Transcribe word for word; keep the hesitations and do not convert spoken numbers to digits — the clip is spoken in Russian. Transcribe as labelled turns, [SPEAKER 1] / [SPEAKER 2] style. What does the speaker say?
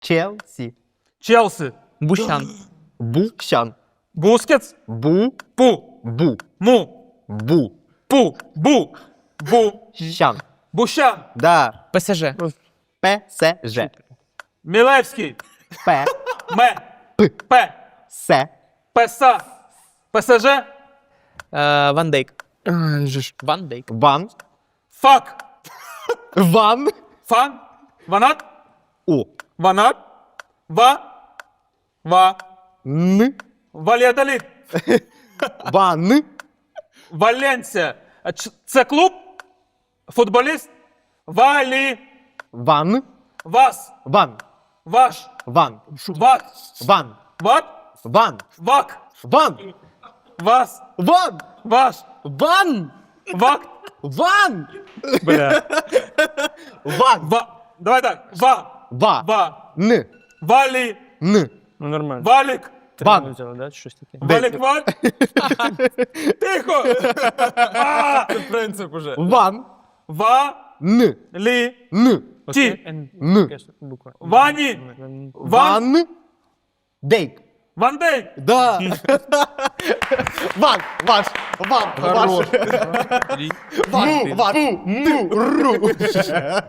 [SPEAKER 1] Челсі.
[SPEAKER 2] Челси.
[SPEAKER 3] Бущан.
[SPEAKER 1] Букщан.
[SPEAKER 2] Бускетс.
[SPEAKER 1] Бу.
[SPEAKER 2] Пу.
[SPEAKER 1] Бу.
[SPEAKER 2] Му.
[SPEAKER 1] Бу.
[SPEAKER 2] Пу. Бу. Бу.
[SPEAKER 1] Щан.
[SPEAKER 2] Бущан.
[SPEAKER 1] Да.
[SPEAKER 3] ПСЖ.
[SPEAKER 1] ПСЖ.
[SPEAKER 2] Мілевський.
[SPEAKER 1] П.
[SPEAKER 2] Ме. П.
[SPEAKER 1] С.
[SPEAKER 2] Песа. ПСЖ.
[SPEAKER 3] Е, Ван Дейк.
[SPEAKER 4] А, же ж.
[SPEAKER 3] Ван Дейк.
[SPEAKER 1] Ван.
[SPEAKER 2] Фак.
[SPEAKER 1] Ван.
[SPEAKER 2] Фан. Ванат.
[SPEAKER 1] О.
[SPEAKER 2] Ванат. Ва. Ва.
[SPEAKER 1] Н.
[SPEAKER 2] Валядолит.
[SPEAKER 1] Ван.
[SPEAKER 2] Валенсія. А ч- Це клуб? Футболіст? Валі.
[SPEAKER 1] Ван.
[SPEAKER 2] Вас.
[SPEAKER 1] Ван.
[SPEAKER 2] Ваш.
[SPEAKER 1] Ван.
[SPEAKER 2] Вак.
[SPEAKER 1] Ван.
[SPEAKER 2] Ват.
[SPEAKER 1] Ван.
[SPEAKER 2] Вак.
[SPEAKER 1] Ван.
[SPEAKER 2] Вас.
[SPEAKER 1] Ван.
[SPEAKER 2] Ваш.
[SPEAKER 1] Ван.
[SPEAKER 2] Вак.
[SPEAKER 1] Ван.
[SPEAKER 2] Бля.
[SPEAKER 1] Ван.
[SPEAKER 2] Ва. Давай так. Ва.
[SPEAKER 1] Ва.
[SPEAKER 2] Ва.
[SPEAKER 1] Н.
[SPEAKER 2] Валі.
[SPEAKER 1] Н.
[SPEAKER 4] Ну нормально.
[SPEAKER 2] Валік.
[SPEAKER 1] Ван.
[SPEAKER 4] Взяла, да? Щось таке.
[SPEAKER 2] Валік Валь. Тихо. А!
[SPEAKER 4] Принцип уже.
[SPEAKER 1] Ван.
[SPEAKER 2] Ва.
[SPEAKER 1] Н.
[SPEAKER 2] Лі.
[SPEAKER 1] Н.
[SPEAKER 2] Ті.
[SPEAKER 1] Н.
[SPEAKER 4] Буква.
[SPEAKER 2] Вані. Ван.
[SPEAKER 1] Ван. Дейк.
[SPEAKER 2] Ван Дейк.
[SPEAKER 1] Да. Ван. Ваш. Ван. Ваш. Му. Ваш. Му. Ру.